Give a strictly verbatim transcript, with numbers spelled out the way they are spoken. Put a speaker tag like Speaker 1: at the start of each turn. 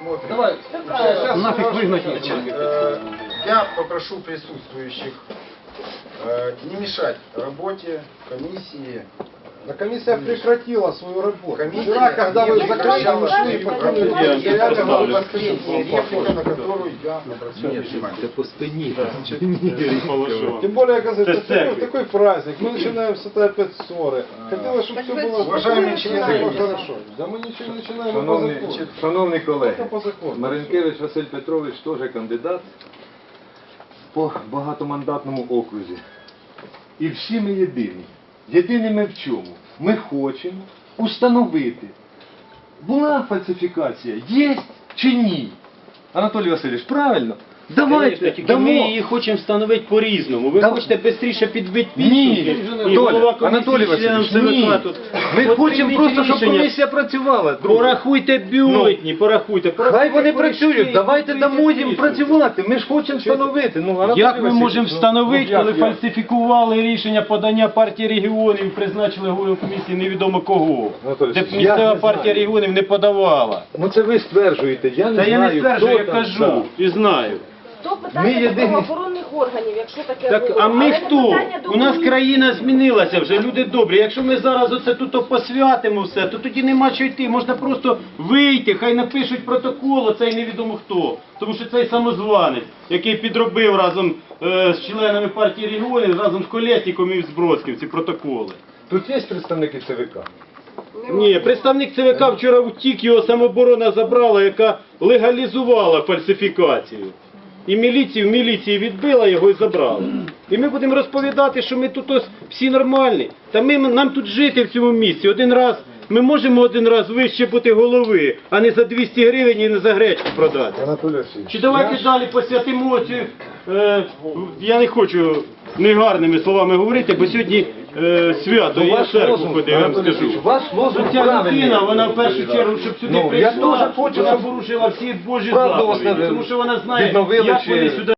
Speaker 1: посмотрим.
Speaker 2: Давай,
Speaker 1: Сейчас
Speaker 2: нафиг
Speaker 1: сразу,
Speaker 2: выгнать
Speaker 1: значит,
Speaker 2: их.
Speaker 1: э, я попрошу присутствующих э, не мешать работе комиссии.
Speaker 3: Да комиссия прекратила свою работу.
Speaker 1: Комиссия
Speaker 3: Вчера, когда вы
Speaker 1: не
Speaker 3: закрыли,
Speaker 1: прекращала
Speaker 3: ушли и
Speaker 1: свою
Speaker 3: покинули.
Speaker 1: работу. Я говорю последняя реплика, на которую я обратил внимание.
Speaker 4: Це по спині.
Speaker 3: Тем более, оказывается,
Speaker 2: Это
Speaker 3: такой,
Speaker 2: церковь.
Speaker 3: такой праздник. Мы начинаем с этой опять ссоры. Хотелось, чтобы все было
Speaker 1: Уважаемые
Speaker 3: все
Speaker 1: члены
Speaker 3: было
Speaker 1: комиссии.
Speaker 3: хорошо. Да мы ничего не начинаем, мы по
Speaker 4: Шановні,
Speaker 3: закону.
Speaker 4: шановні колеги,
Speaker 3: Только по закону.
Speaker 4: Маринкевич Василь Петрович теж кандидат по багатомандатному окрузі. І всі ми єдині. Єдині ми в чому? Ми хочемо установити, була фальсифікація, є чи ні. Анатолій Васильович, правильно? Давайте,
Speaker 5: Конечно, тільки
Speaker 4: дамо.
Speaker 5: ми її хочемо встановити по-різному. Ви
Speaker 4: Да-
Speaker 5: хочете швидше підбити
Speaker 4: Ні,
Speaker 5: підсумки, і
Speaker 4: Толя,
Speaker 5: голова комісії,
Speaker 4: Анатолій
Speaker 5: членам
Speaker 4: Васильович, ні.
Speaker 5: ЦВК тут.
Speaker 4: Ми
Speaker 5: От
Speaker 4: хочемо
Speaker 5: прийміть
Speaker 4: просто, щоб
Speaker 5: рішення.
Speaker 4: комісія працювала. друзі.
Speaker 5: Порахуйте бюлетні, порахуйте.
Speaker 4: Хай
Speaker 5: порахуйте
Speaker 4: вони
Speaker 5: корешки,
Speaker 4: працюють, давайте дамо їм
Speaker 5: підписуйте.
Speaker 4: працювати. Ми ж хочемо встановити. Ну, Анатолій
Speaker 5: Як ми
Speaker 4: Васильович,
Speaker 5: можемо
Speaker 4: ну,
Speaker 5: встановити,
Speaker 4: ну, як,
Speaker 5: коли
Speaker 4: як?
Speaker 5: фальсифікували рішення подання партії регіонів і призначили голову комісії невідомо кого?
Speaker 4: Анатолій
Speaker 5: Де
Speaker 4: Васильович, я
Speaker 5: місцева
Speaker 4: не
Speaker 5: партія
Speaker 4: знаю.
Speaker 5: регіонів не подавала.
Speaker 4: Ну це ви стверджуєте, я не
Speaker 5: Та я
Speaker 4: знаю,
Speaker 5: не стверджую, я
Speaker 4: хто там,
Speaker 5: кажу
Speaker 4: так.
Speaker 5: і знаю.
Speaker 6: То
Speaker 4: Ми
Speaker 6: питання
Speaker 4: єдині.
Speaker 6: до правоохоронних органів, якщо таке
Speaker 5: Так,
Speaker 6: було.
Speaker 5: а ми
Speaker 6: Але не
Speaker 5: хто?
Speaker 6: питання до
Speaker 5: У нас
Speaker 6: комісії.
Speaker 5: країна змінилася вже, люди добрі. Якщо ми зараз оце тут посвятимо все, то тоді нема що йти. Можна просто вийти, хай напишуть протокол, оцей невідомо хто. Тому що цей самозванець, який підробив разом е, з членами партії регіонів, разом з Колєсніком і з Бродським ці протоколи.
Speaker 4: Тут є представники ЦВК?
Speaker 5: Ні, представник ЦВК вчора втік, його самооборона забрала, яка легалізувала фальсифікацію. І міліцію, в міліції відбила його і забрала. І ми будемо розповідати, що ми тут ось всі нормальні. Та ми, нам тут жити в цьому місці. Один раз, ми можемо один раз вище бути голови, а не за двісті гривень і не за гречку продати.
Speaker 4: Анатолій Васильович.
Speaker 5: Чи давайте далі посвятимо цю, е, я не хочу негарними словами говорити, бо сьогодні е, свято,
Speaker 4: Ну,
Speaker 5: я в
Speaker 4: ваш
Speaker 5: церкву
Speaker 4: лозунг,
Speaker 5: ходив, я вам
Speaker 4: Анатолій
Speaker 5: скажу.
Speaker 4: Васильович, ваш лозунг
Speaker 5: Ця
Speaker 4: правильний.
Speaker 5: людина, вона в першу чергу, щоб сюди
Speaker 4: Ну, я
Speaker 5: прийшла,
Speaker 4: теж хочу,
Speaker 5: вона
Speaker 4: щоб
Speaker 5: порушила всі Божі
Speaker 4: правду
Speaker 5: заповіді,
Speaker 4: восстановили,
Speaker 5: тому що вона знає,
Speaker 4: відновили
Speaker 5: як
Speaker 4: чи-
Speaker 5: вони сюди